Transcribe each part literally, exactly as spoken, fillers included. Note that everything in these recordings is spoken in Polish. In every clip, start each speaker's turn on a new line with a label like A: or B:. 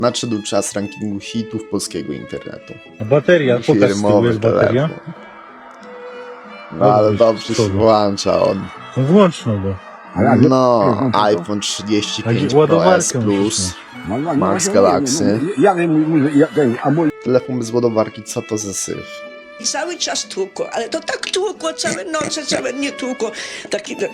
A: Nadszedł czas rankingu hitów polskiego internetu.
B: A bateria, pokaż, z tyłu jest bateria.
A: No ale dobrze się włącza on.
B: No włącz no go.
A: No, iPhone trzydzieści pięć Pro S Plus, Max Galaxy. Telefon bez ładowarki, co to za syf?
C: I cały czas tłukło, ale to tak tłukło, całe noce, całe nie tłukło. Taki tak...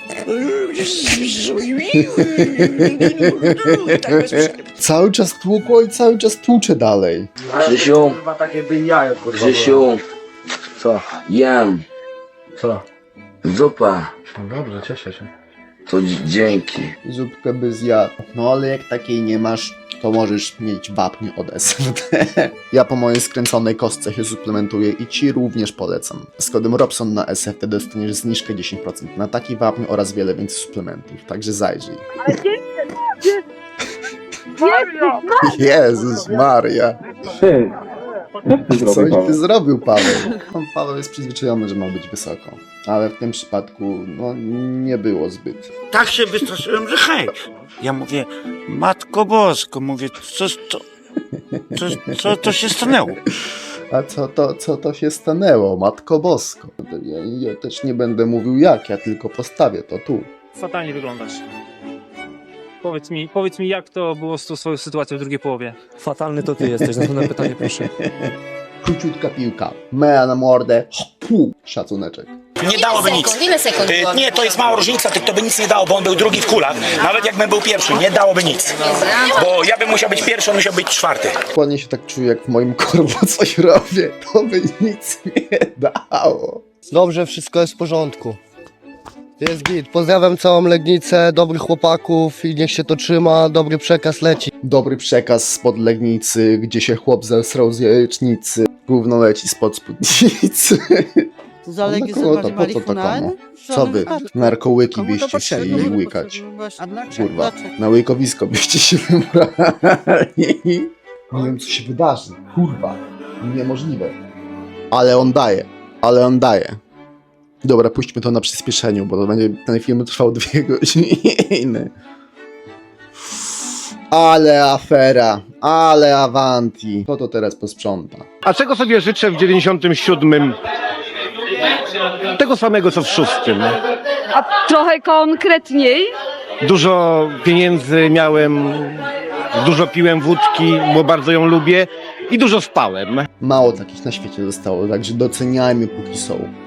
C: tak bez przerwy.
A: Cały czas tłukło i cały czas tłucze dalej.
D: Krzysiu, Krzysiu,
E: Co?
D: jem,
E: Co?
D: zupa,
E: No dobrze, cieszę się.
D: to dzi- dzięki.
A: Zupkę by zjadł. No ale jak takiej nie masz, to możesz mieć wapń od S F D. Ja po mojej skręconej kostce się suplementuję i ci również polecam. Z kodem Robson na S F D dostaniesz zniżkę dziesięć procent na taki wapń oraz wiele więcej suplementów, także zajrzyj. Jezus Maria!
E: Ty!
A: Coś ty zrobił, Paweł. Pan Paweł jest przyzwyczajony, że ma być wysoko. Ale w tym przypadku, no, nie było zbyt.
F: Tak się wystraszyłem, że hej. Ja mówię, Matko Bosko, mówię, co, co, co, co to się stanęło?
A: A co to, co to się stanęło, Matko Bosko? Ja, ja też nie będę mówił jak, ja tylko postawię to tu.
G: Fatalnie wyglądasz. Powiedz mi, powiedz mi, jak to było z tą swoją sytuacją w drugiej połowie?
H: Fatalny to ty jesteś, następne pytanie proszę.
A: Króciutka piłka, mea na mordę, pu, szacuneczek.
I: Nie dałoby nic.
J: Ile sekund było?
I: Y, Nie, to jest mała różnica, to by nic nie dało, bo on był drugi w kulach. Nawet jakbym był pierwszy, nie dałoby nic. Bo ja bym musiał być pierwszy, on musiał być czwarty.
A: Dokładnie się tak czuję, jak w moim korbo coś robię, to by nic nie dało.
H: Dobrze, wszystko jest w porządku. Jest git. Pozdrawiam całą Legnicę, dobrych chłopaków i niech się to trzyma, dobry przekaz leci.
A: Dobry przekaz spod Legnicy, gdzie się chłop zesrał z jajecznicy. Gówno leci spod spódnicy.
K: Za Legię
A: No,
K: zabrać
A: to po co to
K: marihuanę?
A: komu? Co wy? Narkołyki byście chcieli łykać. Kurwa, na łykowisko byście się wybrali. Nie wiem, co się wydarzy. Kurwa, niemożliwe. Ale on daje, ale on daje. Dobra, puśćmy to na przyspieszeniu, bo to będzie, ten film trwał dwie godziny. Ale afera, ale avanti. Kto to teraz posprząta?
L: A czego sobie życzę w dziewięćdziesiątym siódmym? Tego samego co w szóstym.
J: A trochę konkretniej?
L: Dużo pieniędzy miałem, dużo piłem wódki, bo bardzo ją lubię i dużo spałem.
A: Mało takich na świecie zostało, także doceniajmy póki są.